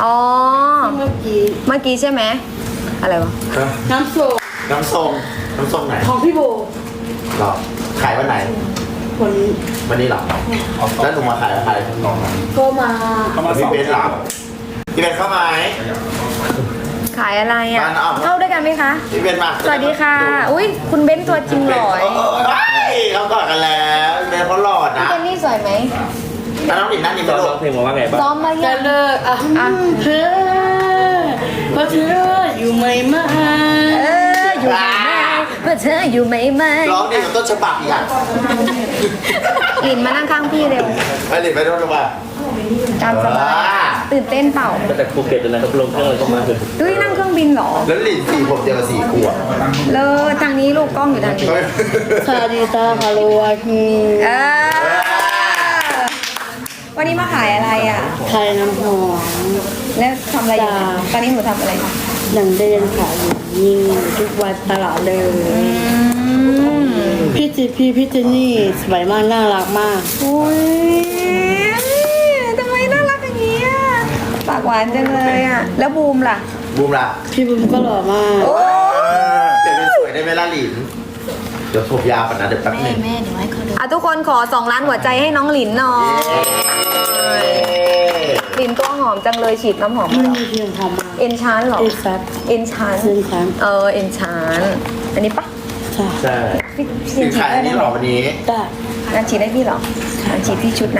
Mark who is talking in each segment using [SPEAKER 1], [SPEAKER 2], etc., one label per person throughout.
[SPEAKER 1] อ๋อ
[SPEAKER 2] เมื่อกี้
[SPEAKER 1] ใช่ไหมอะไรวะ
[SPEAKER 2] น้ำส้ม
[SPEAKER 3] น้ำส้มไหน
[SPEAKER 2] ของพี่โบ
[SPEAKER 3] หรอขายวันไหน
[SPEAKER 2] วันนี้
[SPEAKER 3] วันนี้หรอแล้วหนูมาขายอะไร
[SPEAKER 2] ก็มา
[SPEAKER 3] พี่เบนหรอพี่เบนเข้ามาไหม
[SPEAKER 1] ขายอะไรอ่ะ
[SPEAKER 3] บ้านอ้อม
[SPEAKER 1] เข้าด้วยกันไหมคะ
[SPEAKER 3] พี่เบนมา
[SPEAKER 1] สวัสดีค่ะ อุ้ยคุณเบ้นตัวจริงหล่อย
[SPEAKER 3] เขากอดกันแล้วเบนเขาหล่อ
[SPEAKER 1] พี่
[SPEAKER 3] นะ
[SPEAKER 1] เจนนี่สวยไหม
[SPEAKER 3] แล้วน้องหลินนั่นนี่
[SPEAKER 4] ต
[SPEAKER 3] ไม่
[SPEAKER 4] อน
[SPEAKER 3] รู้
[SPEAKER 4] ร้องเพลงมาว่าไงบ้าง
[SPEAKER 1] ซ้อมมา
[SPEAKER 2] จะ
[SPEAKER 1] ยัง
[SPEAKER 2] เลิกเธอเพราะเธออยู่ไม่มา
[SPEAKER 1] อยู่ไหมเพื่อเธออยู่ไหมไหม
[SPEAKER 3] ร้องดีกว่าต้นฉบับอีกอ่ะ
[SPEAKER 1] หลินมานั่งข้างพี่เร็ว
[SPEAKER 3] ไปหลินไปโดนลงมา
[SPEAKER 1] ตามสบายตื่นเต้นเปล่า
[SPEAKER 4] มาจากภูเก็ตเลยนะครับลงเครื่องเลยก็มาถึง
[SPEAKER 1] ดุ้ยนั่งเครื่องบินเหรอ
[SPEAKER 3] แล้วหลินสีผมเดียวกับสีขวด
[SPEAKER 1] เลอทางนี้ลูกกล้องอยู่ทางนี้
[SPEAKER 2] สวัสดีจ้าฮัลโหลวันนี้
[SPEAKER 1] เออวันนี้มาขายอะไรอ่ะ
[SPEAKER 2] ไทยน้ำหอม
[SPEAKER 1] แล้วทำอะไรอยู่เนี่ยตอนนี้หนูทำอะไรคะ
[SPEAKER 2] อย่างเดินขายอยู่นี่ทุกวันตลาดเลย พี่เจนนี่สวยมากน่ารักมาก
[SPEAKER 1] อุ้ยทำไมน่ารักอย่างนี้อ่ะปากหวานจังเลยอ่ะ แล้วบูมล่ะ
[SPEAKER 3] บูมล่ะ
[SPEAKER 2] พี่บุ้มก็หล่อมาก
[SPEAKER 1] โอ้
[SPEAKER 3] เดี๋ยวเป็นสวยได้ไหมล่ะหลินเดี๋ยวผมยาวก่อนนะเดี๋ยวแป๊บนึง
[SPEAKER 1] อ่ะทุกคนขอ2 ล้านหัวใจให้น้องหลินหน่อยหลินตัวหอมจังเลยฉีดน้ำหอม
[SPEAKER 2] ไม่
[SPEAKER 1] มาเหรอ
[SPEAKER 2] มีเพียงหอมมาก
[SPEAKER 1] เอ็นชานเหรอ
[SPEAKER 2] เอซัส
[SPEAKER 1] เอ็นชาน
[SPEAKER 2] เส้นคัน
[SPEAKER 1] เอ็นชานอันนี้ปะ
[SPEAKER 2] จ้า
[SPEAKER 4] ใช่
[SPEAKER 1] พี่
[SPEAKER 3] สินขายอันนี้หรอวันนี้
[SPEAKER 2] ได้
[SPEAKER 1] งั้นฉีดได้พี่เหรองั้นฉีดที่ชุดนะ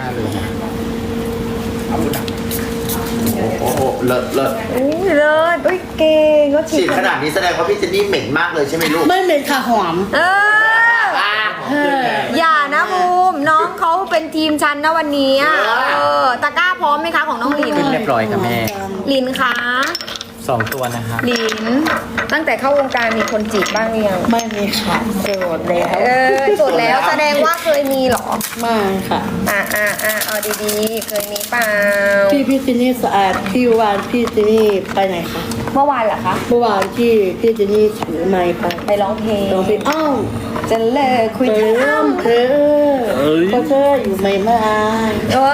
[SPEAKER 3] โอ้โหเลิศ
[SPEAKER 1] อุ้ยเลิศอุ้ยเก่งก็ฉี
[SPEAKER 3] ฉี
[SPEAKER 1] ด
[SPEAKER 3] ดขนาดนี้แสดงว่าพี่เจนนี่เหม็นมากเลยใช่ไหมลูก
[SPEAKER 2] ไม่เหม็นค่ะหอม
[SPEAKER 1] เอออย่านะบูมน้องเขาเป็นทีมชันนะวันนี้อะตะกร้าพร้อมไหมคะของน้องหลิน
[SPEAKER 4] ขึ้นเรียบร้อยครับแม่
[SPEAKER 1] หลินคะ
[SPEAKER 4] 2 ตัวนะครับ
[SPEAKER 1] หลินตั้งแต่เข้าวงการมีคนจีบบ้างหรือยัง
[SPEAKER 2] ไม่มีค่ะโสดแล้ว
[SPEAKER 1] จดแล้วแสดงว่าเคยมีเหรอ
[SPEAKER 2] ไม่ค่ะ
[SPEAKER 1] เอาดีๆ เคยมีเปล่า
[SPEAKER 2] พี่เจนนี่สะอาดพี่วานพี่เจนนี่ไปไหนคะ
[SPEAKER 1] เมื่อวานเหรอคะ
[SPEAKER 2] เมื่อวานที่พี่เจนนี่ถือไมค์ไป
[SPEAKER 1] ไปร้องเพลง
[SPEAKER 2] ลองไปอ้าว
[SPEAKER 1] จะเลิกคุย
[SPEAKER 2] เธ
[SPEAKER 1] ท
[SPEAKER 2] อเพราะเธออยู่ไม่มา
[SPEAKER 1] ำก็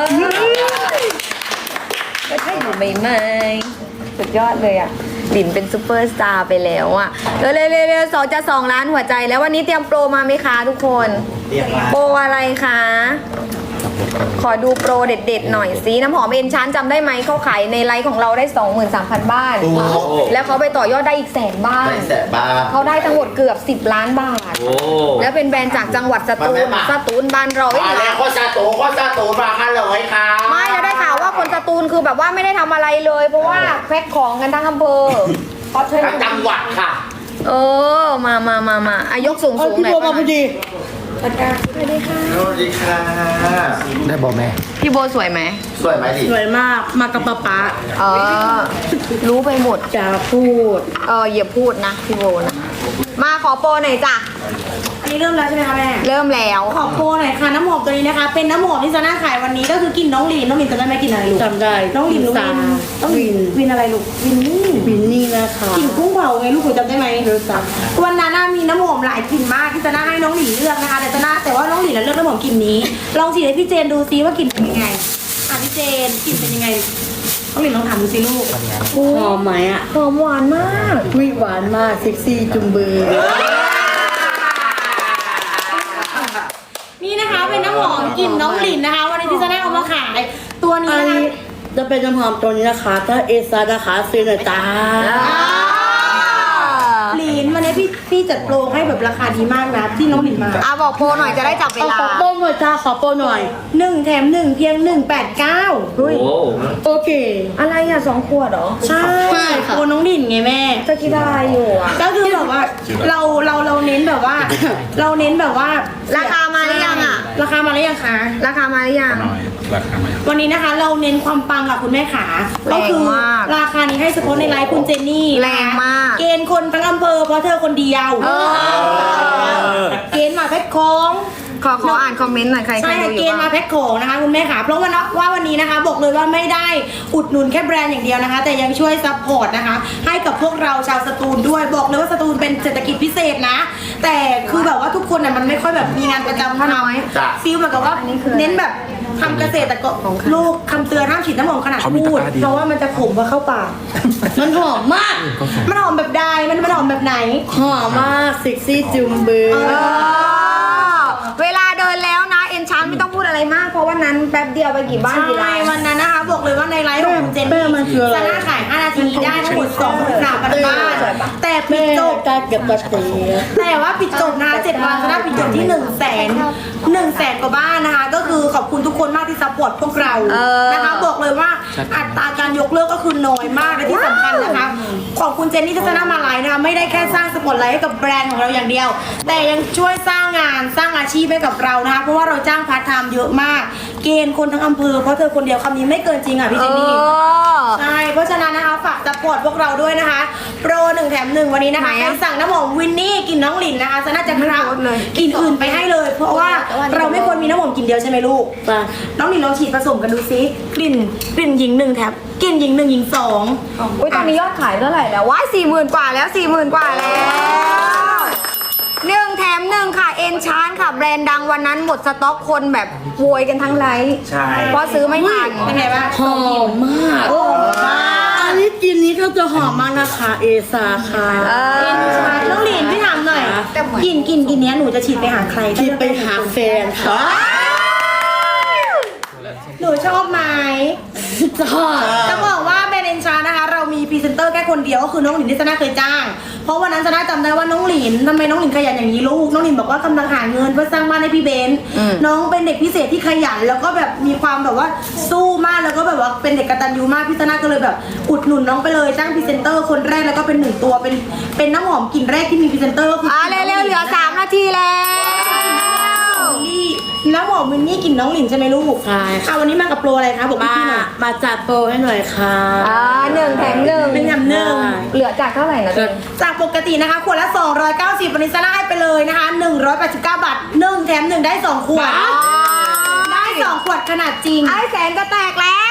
[SPEAKER 1] ใช่อยู่ใหม่ๆสุดยอดเลยอ่ะหลินเป็นซูเปอร์สตาร์ไปแล้วอ่ะเร็วๆ2 ล้านหัวใจแล้ววันนี้เตรียมโปรมาไหมคะทุกคน
[SPEAKER 3] เรียกมา
[SPEAKER 1] โปรอะไรคะ ขอดูโปรเด็ดๆหน่อยสิน้ำหอมเอ็นชานจำได้ไหมเขาขายในไลฟ์ของเราได้ 23,000 บ้าน
[SPEAKER 3] โอ้โห
[SPEAKER 1] แล้วเขาไปต่อยอดได้อีก100,000 บ้าน
[SPEAKER 3] ได้แสบบ้าง
[SPEAKER 1] เขาได้ทั้งหมดเกือบ10 ล้านบาท
[SPEAKER 4] โอ้
[SPEAKER 1] แล้วเป็นแบรนด์จากจังหวัดสตูลบ้านเรา
[SPEAKER 3] มาแล้วโคตรซาโตมากันเลยค่ะ
[SPEAKER 1] ไม่แล้วได้ข่าวว่าคนสตูลคือแบบว่าไม่ได้ทำอะไรเลย เพราะว่าแพ็คของกันทั้งอำเภอเพราะเธอ
[SPEAKER 3] ทั้งจังหวัดค่ะ
[SPEAKER 1] มาอายกสูง
[SPEAKER 2] เอา
[SPEAKER 1] ๆ
[SPEAKER 2] พี่
[SPEAKER 1] หน่อย
[SPEAKER 2] โบมาพอดี
[SPEAKER 1] สวัสดีค่ะ
[SPEAKER 3] สวัสดีค่ะ ได้บอกแม่
[SPEAKER 1] พี่โบสวยไหม
[SPEAKER 3] สวยไหมดิ
[SPEAKER 2] สวยมากมากับป๊า
[SPEAKER 1] รู้ไปหมด
[SPEAKER 2] จะพูด
[SPEAKER 1] อย่าพูดนะพี่โบนะมาขอโปรหน่อยจ้ะ
[SPEAKER 5] อันนี้เริ่มแล้วใช่ไหมคะแม่
[SPEAKER 1] เริ่มแล้ว
[SPEAKER 5] ขอโปรหน่อยค่ะน้ำหอมตัวนี้นะคะ เป็นน้ำหอมที่จะน่าขายวันนี้ก็คือกลิ่นน้องหลินจำได้ไหมกลิ่นอะไรลูก
[SPEAKER 2] จำได้
[SPEAKER 5] น้องหลิน
[SPEAKER 2] สา
[SPEAKER 5] ต้องวินอะไรลูกวินนี่
[SPEAKER 2] บินนี่นะคะ
[SPEAKER 5] กลิ่นกุ้งเผาไงลูกหนูจำได้ไหม
[SPEAKER 2] รู้จัก
[SPEAKER 5] วันนั้นน่ะมีน้ำหอมหลายกลิ่นมากที่จะน่าให้น้องหลินเลือกนะคะแต่ว่าน้องหลินเลือกน้ำหอมกลิ่นนี้ ลองฉีดให้พี่เจนดูซิว่ากลิ่นเป็นยังไงพี่เจนกลิ่นเป็นยังไงน้องหลินลองถามดูสิลูก
[SPEAKER 2] หอมไหมอ่ะ
[SPEAKER 1] หอมหวานมาก
[SPEAKER 2] วิหวานมากเซ็กซี่จุงเบย
[SPEAKER 5] นี่นะคะเป็นน้ำหอมกลิ่นน้องหลินนะคะ วันนี้ที่จะได้เอามาขายตัวนี้
[SPEAKER 2] อัน
[SPEAKER 5] นะคะ
[SPEAKER 2] นี้จะเป็นน้ำหอมตัวนี้นะคะ ถ้าเอซานะคะซื้อหน่อยจ้า
[SPEAKER 5] หลินวันนี้พี่จัดโปรให้แบบราคาดีมากนะที่น้องหลินมา
[SPEAKER 1] บอกโปรหน่อยจะได้จับเว
[SPEAKER 2] เอา
[SPEAKER 1] ลา
[SPEAKER 2] ขอโปรหน่อยจ้าขอโปรหน่อย
[SPEAKER 5] 1 แถม 1 เพียง 189
[SPEAKER 4] โห
[SPEAKER 2] โอเค
[SPEAKER 1] อะไรอ่ะ2 ขวดเหรอ
[SPEAKER 5] ใช่
[SPEAKER 2] ใช่ค่ะ
[SPEAKER 5] โปรน้องหลินไงแม่
[SPEAKER 1] จะคิดอะไรอยู่อ่ะ
[SPEAKER 5] ก็คือแบบว่าเราเน้นแบบว่า เราเน้นแบบว่า
[SPEAKER 1] ราคามาหรือยังอ่ะ
[SPEAKER 5] ราคามาหรือยังคะ
[SPEAKER 1] ราคามาหรือยัง
[SPEAKER 5] วันนี้นะคะเราเน้นความปังกับคุณแม่ขา
[SPEAKER 1] แรง
[SPEAKER 5] ก็คื
[SPEAKER 1] มาก
[SPEAKER 5] ราคานี้ให้เฉพาะในไลฟ์คุณเจนนี่
[SPEAKER 1] แรงมาก
[SPEAKER 5] เกณฑ์คนทั้งอำเภอเพราะเธอคนเดียว เกณฑ์มาแพ็คของ
[SPEAKER 1] ขออ่านคอมเมนต์หน่อยใคร
[SPEAKER 5] ใช่
[SPEAKER 1] ดูอ
[SPEAKER 5] เก
[SPEAKER 1] ยู่
[SPEAKER 5] ณฑ์มา
[SPEAKER 1] บ้าง
[SPEAKER 5] แพ็คของนะคะคุณแม่ขาเพราะว่าวันนี้นะคะบอกเลยว่าไม่ได้อุดหนุนแค่แบรนด์อย่างเดียวนะคะ แต่ยังช่วยซัพพอร์ตนะคะ ให้กับพวกเราชาวสตูลด้วยบอกเลยว่าสตูลเป็นเศรษฐกิจพิเศษนะ แต่คือแบบว่าทุกคนน่ะมันไม่ค่อยแบบมีงานประจำเท่าน้อย
[SPEAKER 3] จ้ะ
[SPEAKER 5] ฟีลเหมือนกับว่า
[SPEAKER 1] อันนี้คือ
[SPEAKER 5] เน้นแบบคำเกษตรกรลูกคำเตือนห้ามฉีดน้ำหอมขนาดพูดเพราะว่ามันจะขมพอเข้าปาก
[SPEAKER 2] มันหอมมาก
[SPEAKER 5] มันหอมแบบใดมันหอมแบบไหน
[SPEAKER 2] หอมมากเซ็กซี่จุมบือ
[SPEAKER 1] เวลาเดินแล้วนะเอ็นชานไม่ต้องพูดอะไรมากเพราะวันนั้นแป๊บเดียวไปกี่บ้านกี่
[SPEAKER 5] ใช่
[SPEAKER 1] ร้าน
[SPEAKER 5] วันนั้นนะคะบอกเลยว่าในไลฟ์ของคุณเจนนี่จะน่าขาย5 นาทีได้ทั้งหมด2,000 บ้านแต่ปิ
[SPEAKER 2] แม่
[SPEAKER 5] ดจบ
[SPEAKER 2] กล้าเก็บกระตี
[SPEAKER 5] แต่ว่าปิดจบนะคะ7 วันจะได้ปิดจบที่100,000 กว่าบ้านนะคะ ก็คือขอบคุณทุกคนมากที่ซัพพอร์ตพวกเรานะคะบอกเลยว่าอัตราการยกเลิกก็คือน้อยมากและที่สำคัญนะคะขอบคุณเจนนี่ทัศนามาไลน์นะคะไม่ได้แค่สร้างสปอตไลท์ให้กับแบรนด์ของเราอย่างเดียว แต่ยังช่วยสร้างงานสร้างอาชีพให้กับเรานะคะเพราะว่าเราจ้างพาร์ทไทม์เยอะมาก เกณฑ์คนทั้งอำเภอเพราะเธอคนเดียวคำนี้ไม่เกินจริงอ่ะพี่เจนนี่ ใช่ เพราะฉะนั้นนะคะฝากซัพพอร์ตพวกเราด้วยนะคะ โปร1 แถม 1 วันนี้นะคะใครสั่งน้ำหอมวินนี่กลินน้องหลินนะคะจะน่าจะครับกลินอื่นไปให้เลย เพราะว่าเราไม่ควรมีน้ำหอมกลินเดียวใช่ไหมลูก
[SPEAKER 2] ป่ะ
[SPEAKER 5] น้องหลินลองฉีดผสมกันดูซิกลิ่นหญิง1 แถมกลิ่นหญิง1หญิง2
[SPEAKER 1] อุ้ยตอนนี้ยอดขายเท่าไหร่แล้วว้าย40,000 กว่าแล้ว 40,000 กว่าแล้ว1 แถม 1 ค่ะเอ็นชานค่ะแบรนด์ดังวันนั้นหมดสต็อกคนแบบโวยกันทั้งไลฟ์
[SPEAKER 3] ใช่
[SPEAKER 1] เพราะซื้อไม่ทัน
[SPEAKER 5] เป็นไงบ้าง
[SPEAKER 2] หอมมาก
[SPEAKER 5] โอ้มาก
[SPEAKER 2] อันนี้กินนี้เขาจะหอมมากนะคะเอซาค่ะ
[SPEAKER 5] เอ็นชานน้องหลินพี่ถามหน่อยกลิ่นเนี้ยหนูจะฉีดไปหาใคร
[SPEAKER 2] ที่ไปหาแฟนค่ะ
[SPEAKER 5] หนูชอบไหม
[SPEAKER 2] จ้า
[SPEAKER 5] จะบอกว่าแบรนด์เอ็นชานะคะเรามีพรีเซนเตอร์แค่คนเดียวก็คือน้องหลินที่ซาน่าเคยจ้างเพราะวันนั้นซาน่าจำได้ว่าน้องหลินทำไมน้องหลินขยันอย่างนี้ลูกน้องหลินบอกว่ากำลังหาเงินเพื่อสร้างบ้านให้พี่เบนซ์น้องเป็นเด็กพิเศษที่ขยันแล้วก็แบบมีความแบบว่าสู้มากแล้วก็แบบว่าเป็นเด็กกตัญญูมากพี่ซาน่าก็เลยแบบอุดหนุนน้องไปเลยจ้างพรีเซนเตอร์คนแรกแล้วก็เป็น1 ตัวเป็นน้ำหอมกลิ่นแรกที่มีพรีเซนเตอร์ก็คือ
[SPEAKER 1] เร็วๆเหลือ3 นาทีแล้ว
[SPEAKER 5] น้ำหอมมินนี่กลิ่นน้องหลินใช่ไหมลูก
[SPEAKER 2] ใช่ค่ะ
[SPEAKER 5] วันนี้มากับโปรอะไรคะบอก
[SPEAKER 2] มา
[SPEAKER 5] พี่หน่อย
[SPEAKER 2] มาจัดโปรให้หน่อยค่ะ
[SPEAKER 1] 1 แถม 1
[SPEAKER 5] เป็นแถม
[SPEAKER 1] เหลือจากเท่าไหร่นะตัวเอง
[SPEAKER 5] จากปกตินะคะขวดละ290วันนี้ซาร่าให้ไปเลยนะคะ189 บาท1 แถม 1 ได้ 2 ขวด ได้ 2 ขวดขนาดจริง
[SPEAKER 1] ไอ้แสนจะแตกแล้ว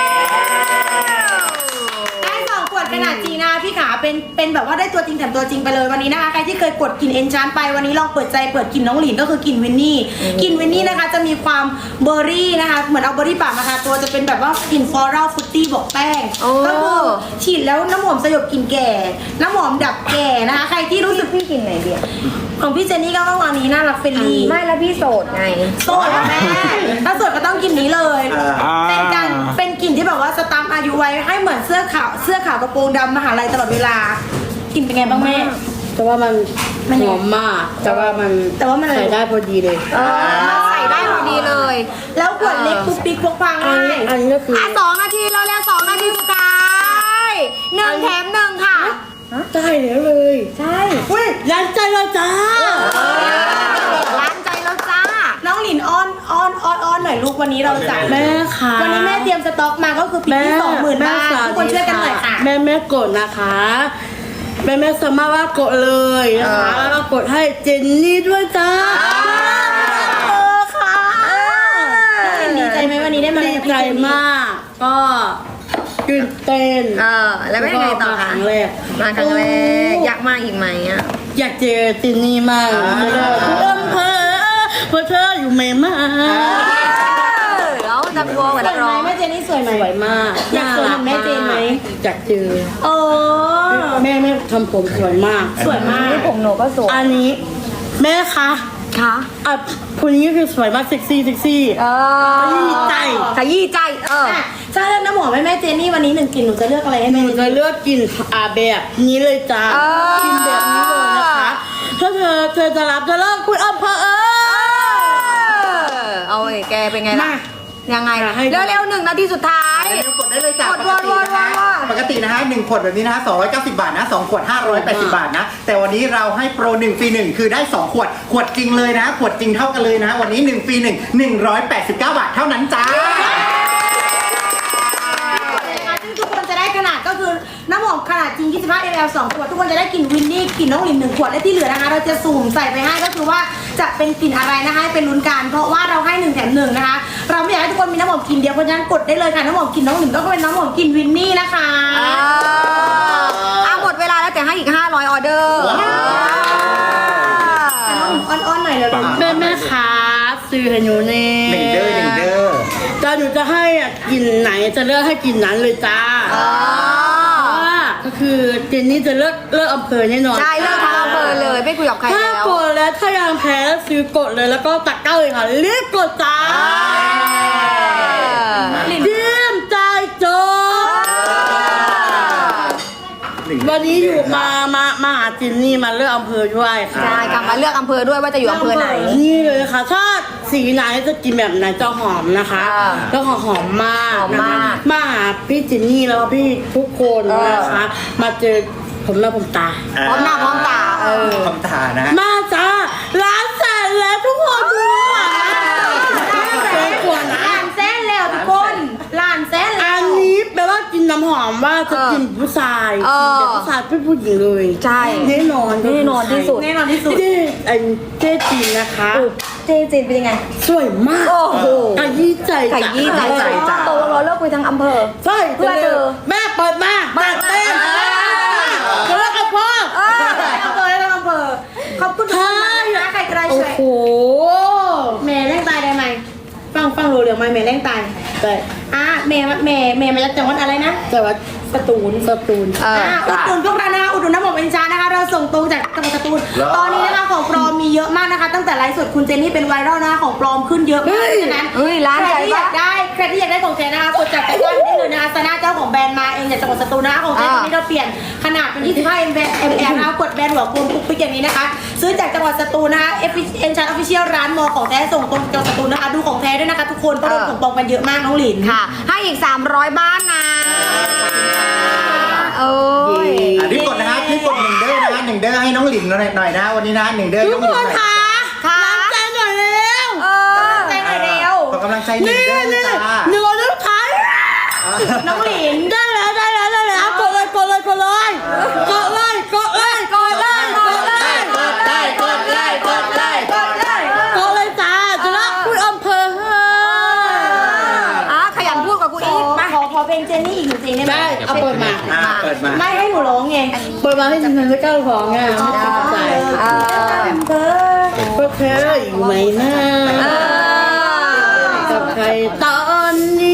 [SPEAKER 5] ได้ 2 ขวดขนาดจริงนะคะพี่ขาเป็นแบบว่าได้ตัวจริงแถมตัวจริงไปเลยวันนี้นะคะใครที่เคยกดกลิ่นเอนชานไปวันนี้ลองเปิดใจเปิดกลิ่นน้องหลินก็คือกลิ่นวินนี่กลิ่นวินนี่นะคะจะมีความเบอร์รี่นะคะเหมือนเอาเบอร์รี่ป่ามาทาตัวจะเป็นแบบว่ากลิ่นฟลอรัลฟรุตตี้บอกแป้ง
[SPEAKER 1] โอ้
[SPEAKER 5] ก็คือฉีดแล้วน้ำหอมสยบกลิ่นแก่ น้ำหอมดับแก่นะคะใครที่รู้สึก
[SPEAKER 1] พี่กินไหนเดียว
[SPEAKER 5] ของพี่เจนนี่ก็ต้องอันนี้น่ารักเฟรนลี่
[SPEAKER 1] ไม่แล้วพี่โสดไง
[SPEAKER 5] โสดอะแม่ถ้าโสดก็ต้องกินนี้เลย เป็นการเป็นกลิ่นที่แบบว่าสตัมป์อายุไว้ให้เหมือนเสื้อขาวกระโปรงดำมหาลัยตลอดเวลากลิ่นเป็นไงบ้างแม่
[SPEAKER 2] แต่ว่ามันหอมมาก แต่ว่ามัน
[SPEAKER 5] อะไร
[SPEAKER 2] ใส่ได้พอดีเลย
[SPEAKER 1] มันใส่ได้พอดีเลย
[SPEAKER 5] แล้วขวดเล็กปุ๊กปิ๊กพกพา
[SPEAKER 2] อัน
[SPEAKER 5] ง่า
[SPEAKER 2] นี้
[SPEAKER 5] ย
[SPEAKER 2] อันนี้ก็คือ
[SPEAKER 1] 2 นาทีแล้ว2 นาทีสุดท้าย1 แถม 1 ค่ะ
[SPEAKER 2] ได้แล้วเลย
[SPEAKER 1] ใช่
[SPEAKER 2] อุ้ยยันใจเราจ้า
[SPEAKER 1] ร้านใจแล้วจ้า
[SPEAKER 5] น้องหลินอ้อนหน่อยลูกวันนี้เราจัด
[SPEAKER 2] แม่ค่ะ
[SPEAKER 5] วันนี้แม่เตรียมสต็อกมาก็คือปิดที่ 20,000 บาททุกคนช่วยกันหน่อยค่ะ
[SPEAKER 2] แม่กดนะคะ แม่สามารถว่ากดเลยนะคะแล้วก็กดให้เจนนี่ด้วยจ้าค่ะ
[SPEAKER 5] ดีใจไหมวันนี้ได้มา
[SPEAKER 2] ดีใจมาก ก็ตื่นเต้น
[SPEAKER 1] แล้วเป็นยังไงต่อ
[SPEAKER 2] ค
[SPEAKER 1] คะ
[SPEAKER 2] รั้งแรก
[SPEAKER 1] มาครั้งแรกอยากมาอีกไหมอ่ะ
[SPEAKER 2] อยากเจอเจนนี่มากเลยทุกอำเภอเพราะเธออยู่ไม่มา
[SPEAKER 1] แล้วจะกลัวเหมือน
[SPEAKER 5] สวยไหม
[SPEAKER 1] ร้อง
[SPEAKER 5] แม่เจนนี่สวยไหม
[SPEAKER 2] สวยมาก
[SPEAKER 5] อยากสวยเหมือนแม่เจนไหม
[SPEAKER 2] อยากเจอ
[SPEAKER 5] โอ้
[SPEAKER 2] แม่ทำผมสวยมาก
[SPEAKER 5] สวยมาก
[SPEAKER 1] ผมหนูก็สวย
[SPEAKER 2] อันนี้แม่คะ
[SPEAKER 1] ค่ะ
[SPEAKER 2] อ่ะคนนี้คือสวยมากเซ็กซี่
[SPEAKER 1] ขยี้ใจขยี้ใจ
[SPEAKER 5] ถ้าเลือกน้ำหอมให้แม่เจนนี่วันนี้1 กลิ่นหนูจะเลือกอะไรให้
[SPEAKER 2] ห
[SPEAKER 5] แม่
[SPEAKER 2] นู
[SPEAKER 5] เจน
[SPEAKER 2] จะ
[SPEAKER 5] นี่
[SPEAKER 2] เลือกกินแบบนี้เลยจ้ากินแบบนี้เลยนะคะ ถ้าเธอจะรับจะเลิกคุณอำเภอ
[SPEAKER 1] เอาไอ้แกเป็นไงล่ะ
[SPEAKER 2] มา
[SPEAKER 1] ยังไง
[SPEAKER 2] ให้
[SPEAKER 1] เร็วๆ1 นาทีสุดท้าย
[SPEAKER 3] เร็วกดได้เลยจ้ะ
[SPEAKER 1] กดๆ
[SPEAKER 3] ปกตินะฮะ1 ขวดแบบนี้นะฮะ290 บาทนะ2 ขวด 580 บาทนะ แต่วันนี้เราให้โปร1 ฟรี 1 คือได้ 2 ขวด ขวดจริงเลยนะ ขวดจริงเท่ากันเลยนะ วันนี้1 ฟรี 1 189 บาทเท่านั้นจ้า
[SPEAKER 5] ซึ่งทุกคนจะได้ขนาดก็คือน้ำหอมขนาดจริง 25 ml 2 ขวด ทุกคนจะได้กลิ่นวินนี่กลิ่นน้องหลิน1 ขวด และที่เหลือนะคะ เราจะสุ่มใส่ไปให้ก็คือว่าจะเป็นกลิ่นอะไรนะคะให้เป็นลุ้นกันเพราะว่าเราให้1 แถม 1 นะคะ เราไม่อยากให้ทุกคนมีน้ำหอมกลิ่นเดียวเพราะฉะนั้นกดได้เลยค่ะน้ำหอมกลิ่นน้องหลินก็เป็นน้ำหอมกลิ่นวินนี่นะคะ
[SPEAKER 1] หมดเวลาแล้วแต่ให้อีก500 ออเดอร์
[SPEAKER 5] น้องหลินอ้อนๆหน่อยเลย
[SPEAKER 2] แม่คะซื้อให้หนูเน่
[SPEAKER 3] 1 เด้อ
[SPEAKER 2] แต่หนูจะให้อ่ะกลิ่นไหนจะเลือกให้กลิ่นนั้นเลยจ้า
[SPEAKER 1] อ๋อ
[SPEAKER 2] เพราะว่าก็คือเจนนี่จะเลือกอำเภอแน่นอน
[SPEAKER 1] ใช่เลิกทางอำเภอเลยไม่คุยกับใคร
[SPEAKER 2] ถ้า
[SPEAKER 1] แล้ว
[SPEAKER 2] กดแล้วถ้ายังแพ้ซื้อกดเลยแล้วก็ตักเก้าเลยค่ะรีบกดจ้าเยี่ยมใจโจวันนี้อยู่มาหาจินนี่มาเลือกอำเภอด้วยค่ะ
[SPEAKER 1] ใช่กลับมาเลือกอำเภอด้วยว่าจะอยู่อำเภอไหน
[SPEAKER 2] นี่เลยค่ะถ้าสีไหนจะกินแบบไหนจะหอมนะคะ
[SPEAKER 1] อ่า
[SPEAKER 2] แล้วหอมมาก
[SPEAKER 1] หอมมาก
[SPEAKER 2] นะคะมาหาพี่จินนี่แล้วก็พี่ทุกคนนะคะ มาเจอผมหน้าผมตา
[SPEAKER 1] พร้อมหน้าพร้อมตา
[SPEAKER 3] คำถานะ
[SPEAKER 2] มาจ้าร้านแสนแล้วทุกคนดูค่ะแสนกว่านะ
[SPEAKER 5] ล้านแสนแล้วทุกคนล้านแสนแล้
[SPEAKER 2] อั
[SPEAKER 5] วน
[SPEAKER 2] นี้แปลว่ากินน้ำหอมว่าจะกินผู้ชาย
[SPEAKER 1] เออ
[SPEAKER 2] แต่ผู้ชายเป็นผู้หญิงเลย
[SPEAKER 1] ใช่
[SPEAKER 2] แน่นอน
[SPEAKER 1] แน่นอนที่สุด
[SPEAKER 5] แน่นอนที่สุด
[SPEAKER 2] เจ๊เจ๊จีนนะคะ
[SPEAKER 1] เจนเป็นยังไง
[SPEAKER 2] สวยมาก
[SPEAKER 1] โอ้โห
[SPEAKER 2] ขยี้ใจ
[SPEAKER 1] ไข่ยี่ใจ
[SPEAKER 3] ใจจ้ะ
[SPEAKER 1] โตแล้วเราเลิกคุยทางอำเภอ
[SPEAKER 2] ใช่
[SPEAKER 1] เพื่อเธอ
[SPEAKER 2] แม่เปิดมาเปิดเต้นเจอกับพ่อ
[SPEAKER 5] อำเภอแล้วอำเภอขอบคุณทุกคนมากนะใครก็ได้
[SPEAKER 2] โอ้
[SPEAKER 5] ช่วย
[SPEAKER 2] โห
[SPEAKER 5] แม่แรงตายได้ไหมฟังรู้เรื่องไหมแม่แรงตาย
[SPEAKER 2] แต่
[SPEAKER 5] แม่มาจากจังหวัดอะไรนะ
[SPEAKER 2] แต่ว่า
[SPEAKER 5] สตูล
[SPEAKER 2] สตูน
[SPEAKER 5] อุดหนุนพวกเรานะคะอุดหนุนน้ำหอมเอ็นชานะคะเราส่งตรงจากจังหวัดสตูลตอนนี้นะคะของปลอมมีเยอะมากนะคะ ตั้งแต่ไลฟ์สดคุณเจนนี่เป็นไวรัลนะคะของปลอมขึ้นเยอะมากฉะนั้น
[SPEAKER 1] เฮ้ยร้าน
[SPEAKER 5] ใคร
[SPEAKER 1] ใหญ่
[SPEAKER 5] ที่อยากได้ใครที่อยากได้ของเจนนะคะกดจากตะกร้าได้เลยนะคะซาน่าเจ้าของแบรนด์มาเองจากจังหวัดสตูลนะคะของเจนตอนนี้เราเปลี่ยนขนาดเป็น25 ml นะคะกดแบรนด์หัวกลมปุ๊กปิ๊กอย่างนี้นะคะซื้อจากจังหวัดสตูลนะคะเอ็นชาออฟฟิเชียลร้านมอของแท้ส่งตรงจังหวัดสตูลนะคะดูของแท้ด้วยนะคะทุกคนเพราะโดนของปลอมกันเยอะมากน้องหลิน
[SPEAKER 1] ค่ะ ให้อีก 300 บ้านนะโอ้ย
[SPEAKER 3] รีบกดนะครับรีบกด1 เด้อนะ1 เด้อให้น้องหลินหน่อยนะวันนี้นะ1 เด้อ
[SPEAKER 2] ทุ
[SPEAKER 3] น้
[SPEAKER 2] ก
[SPEAKER 3] องหลินหน่อย
[SPEAKER 2] คนค่ะ
[SPEAKER 1] ค่ะ
[SPEAKER 2] ใจหน่อยเร็ว
[SPEAKER 5] ใจหน่อยเร็ว
[SPEAKER 3] ขอกำลังใจ1
[SPEAKER 2] นี่
[SPEAKER 3] เด้อ
[SPEAKER 2] นี่
[SPEAKER 3] จ้า
[SPEAKER 2] หนึ่งลูกค้า
[SPEAKER 5] น้องหลิน
[SPEAKER 2] ได้แล้วกดเลยกดเลยกดเลยกดเลยกดเลยกดเลยกดเลย
[SPEAKER 3] กดไลค์กดไลค์กดไลค์
[SPEAKER 5] กดเลย
[SPEAKER 2] กดเลยจ้าจะรักคุณอำเภอ
[SPEAKER 1] ขยันพูดกับกูอีกมา
[SPEAKER 5] ขอเพลงเจนนี่อีกหนึ่งเพลงได้ไหม
[SPEAKER 2] ได้เอาเปิดมา
[SPEAKER 3] เปิดมา
[SPEAKER 5] ไม่ให้หนูร้องไง
[SPEAKER 2] เปิดมาให้ฉันจะก้าวของไงไม่ติดใจ
[SPEAKER 5] เบอร์
[SPEAKER 2] ก็เธออยู่ไหมนะกับใครตอนนี้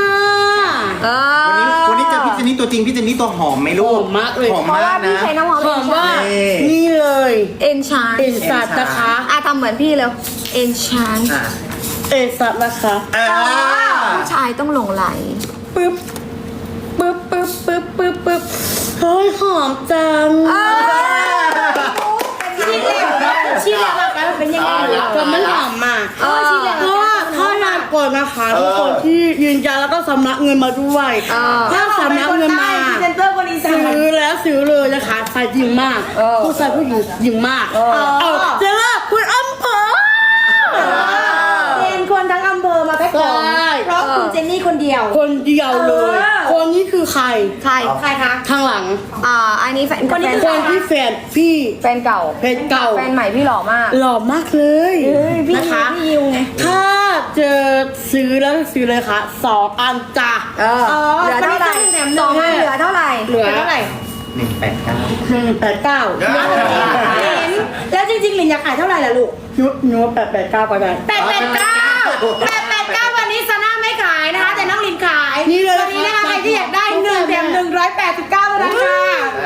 [SPEAKER 3] วันนี้เจอพี่เจนนี่ตัวจริงพี่เจนนี่ตัวหอมไหมลูก
[SPEAKER 2] หอมมากเลย
[SPEAKER 3] หอม
[SPEAKER 1] เพราะ
[SPEAKER 3] มา
[SPEAKER 1] ว่าก พี่
[SPEAKER 3] นะ
[SPEAKER 1] ใช้น้ำหอม
[SPEAKER 2] หอมว่า
[SPEAKER 3] นี่
[SPEAKER 2] นี่เลย
[SPEAKER 1] เอ็นชาน
[SPEAKER 2] เอ็นสัตว์นะคะ
[SPEAKER 1] ทำเหมือนพี่เลยเอ็นชาน
[SPEAKER 3] อ่ะ
[SPEAKER 2] เอ็นสัตว์นะคะ
[SPEAKER 1] ผู้ชายต้องหลงไหล
[SPEAKER 2] ปึ๊บปึ๊บปึ๊บปึ๊บปึ๊บปึ๊บเฮ้ยหอมจัง
[SPEAKER 5] ชี้แหลมมากันเป็นยังไง
[SPEAKER 2] ก็มันหอมมาก
[SPEAKER 5] ชี้แหลม
[SPEAKER 2] เพราะว่าถ้าอยากกดนะคะทุกคนที่ยืนยันแล้วก็สำนักเงินมาด้วยถ้าสำนักเงินมา
[SPEAKER 5] เซนเตอร์คนอีสาน
[SPEAKER 2] ซื้อแล้วซื้อเลยนะคะใส่ยิงมากผู้ชายผู้หญิงยิงมากเอาเจะล่าคุณอำเภอ
[SPEAKER 5] เป็นคนทั้งอำเภอมาแพ็คของ
[SPEAKER 2] ใช่
[SPEAKER 5] เพราะคุณเจนนี่คนเดียว
[SPEAKER 2] คนเดียวเลย คนนี้คือใคร
[SPEAKER 1] ใคร
[SPEAKER 5] ใครคะ
[SPEAKER 2] ข้างหลัง
[SPEAKER 1] อันนี้แฟน
[SPEAKER 5] คนนี้
[SPEAKER 2] คนที่แฟนพี่
[SPEAKER 1] แฟนเก่า
[SPEAKER 2] เพจเก่า
[SPEAKER 1] แฟนใหม่พี่หล่อมาก
[SPEAKER 2] หล่อมากเลย
[SPEAKER 1] พี่
[SPEAKER 2] นะคะ
[SPEAKER 1] พี่ยิวไง
[SPEAKER 2] ถ้าเจอซื้อแล้วซื้อเลยค่ะ2 อันจ้ะ
[SPEAKER 1] เหลือเท่าไหร่สองอันเหลือเท่าไหร่
[SPEAKER 2] เหลือ
[SPEAKER 5] เท่าไหร่
[SPEAKER 3] 189
[SPEAKER 2] 189
[SPEAKER 5] เห็นแล้วจริงๆหลินอยากขายเท่าไหร่ล่ะลูก
[SPEAKER 2] ยุบ889ไปได้
[SPEAKER 5] 889วันนี้ซาน่าไม่ขายนะคะ แต่น้องลินขาย
[SPEAKER 2] นี่เลย
[SPEAKER 5] วันนี้นะคะใครที่อยากได้1 แถม 189เท่านั้นค่ะ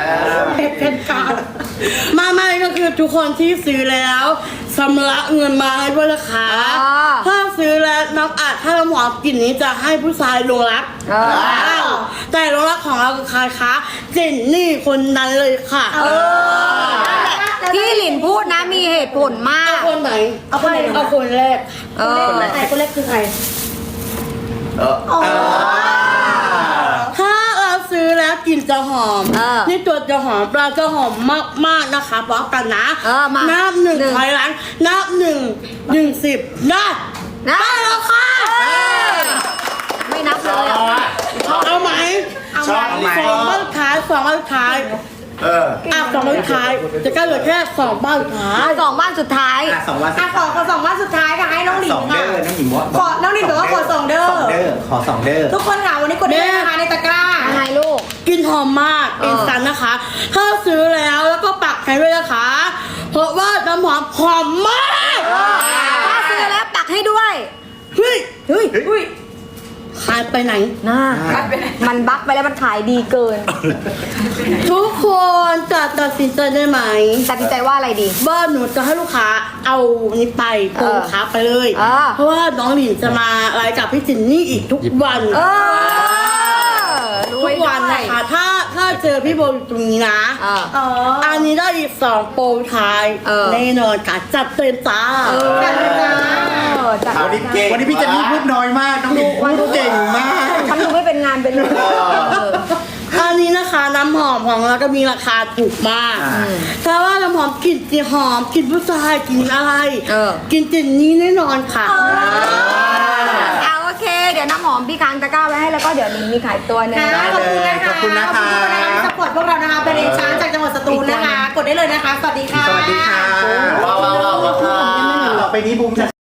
[SPEAKER 5] 889
[SPEAKER 2] ไม่ก็คือทุกคนที่ซื้อแล้วชำระเงินมาให้ด้วยนะคะถ้าซื้อแล้วน้ำอัดถ้าน้ำหอมกลิ่นนี้จะให้ผู้ชายลงรักแต่ลงรักของเราคือใครคะเจนนี่คนนั้นเลยค่ะ
[SPEAKER 1] ที่หลินพูดนะมีเหตุผลมาก
[SPEAKER 2] เอาคนไหน
[SPEAKER 5] เอาคนไหน
[SPEAKER 2] เอาคนแรก
[SPEAKER 5] คนแรกคือใคร
[SPEAKER 2] ถ้าเราซื้อแล้วกลิ่นจะหอมนี่ตัวจะหอมปลาจะหอมมากๆนะคะบอกกันนะนับ1ถอยหลังนับ1 10นับ
[SPEAKER 1] นะ
[SPEAKER 2] ได้แล้วค่ะ
[SPEAKER 1] ไม่นับเลยอ่ะ
[SPEAKER 2] เอาไหม
[SPEAKER 3] ชอบไหม
[SPEAKER 2] 2 บ้านท้าย2 บ้านท้าย2 บ้านท้ายจะกลายเหลือแค่2 บ้านท้าย
[SPEAKER 1] สองบ้านสุดท้าย
[SPEAKER 3] 2 วัน
[SPEAKER 5] ขอ2วันสุดท้ายค่ะให้น้องหลิน
[SPEAKER 3] 2 เด้
[SPEAKER 5] ค่ะ
[SPEAKER 3] อน้องหญิงว่า
[SPEAKER 5] ขอน้องหลินบอกว่าขอ2เด้อ
[SPEAKER 3] 2 เด้อขอ2 เด้อ
[SPEAKER 5] ทุกคนค่ะวันนี้กดได้เลยนะคะในตะกร้า
[SPEAKER 1] ยังไงลูก
[SPEAKER 2] กลิ่นหอมมากเอ็นสันนะคะ ถ้าซื้อแล้วก็ปักให้ด้วยนะคะ เพราะว่าน้ำหอมหอมมาก
[SPEAKER 1] ถ้าซื้อแล้วปักให้ด้วย
[SPEAKER 2] เฮ้ย
[SPEAKER 1] เฮ้ย
[SPEAKER 5] อุ้ย
[SPEAKER 2] ขายไปไหน
[SPEAKER 1] น่ามันบั๊กไปแล้วมันขายดีเกิน
[SPEAKER 2] ทุกคนจะตัดสินใจได้ไหม
[SPEAKER 1] ตัดสินใจว่าอะไรดี
[SPEAKER 2] ว่าหนูจะให้ลูกค้าเอานี้ไปโปรลูกค้าไปเลย เพราะว่าน้องหลินจะมาไลฟ์กับพี่จินนี่อีกทุกวัน ทุกวันนะคะถ้าเจอพี่โบอยู่ตรงนี้นะอันนี้ได้อีก2โปรท้ายแน่นอนค่ะจัดเต็มจ้า
[SPEAKER 1] จัด
[SPEAKER 3] วันนี้พี่เจนนี่พูดน้อยมากน้องหลินพูดเก่งมาก
[SPEAKER 1] ฉันดูไม่เป็นงานเป็นเลย
[SPEAKER 2] อันนี้นะคะน้ำหอมของเราก็มีราคาถูกมากแต่ว่าน้ำหอมกลิ่นจีหอมกลิ่นผู้ชายกลิ่นอะไรกลิ่นจินนี่แน่นอนค่ะ
[SPEAKER 1] เอาโอเค เดี๋ยวน้ำหอมพี่ค้างตะกร้าไว้ให้แล้วก็เดี๋ยวลินมีขายตัวหนึง
[SPEAKER 5] ขอบคุณนะคะ
[SPEAKER 3] ขอบคุณนะคะ
[SPEAKER 5] ที่สปอร์ตพวกเรานะคะเป็นเองช้างจากจังหวัดสตูลนะคะ กดได้เลยนะคะ สวัสดีค่ะ
[SPEAKER 3] สวัสดีค่ะ
[SPEAKER 4] ว้าว
[SPEAKER 3] ต่อไปนี้บูมจะ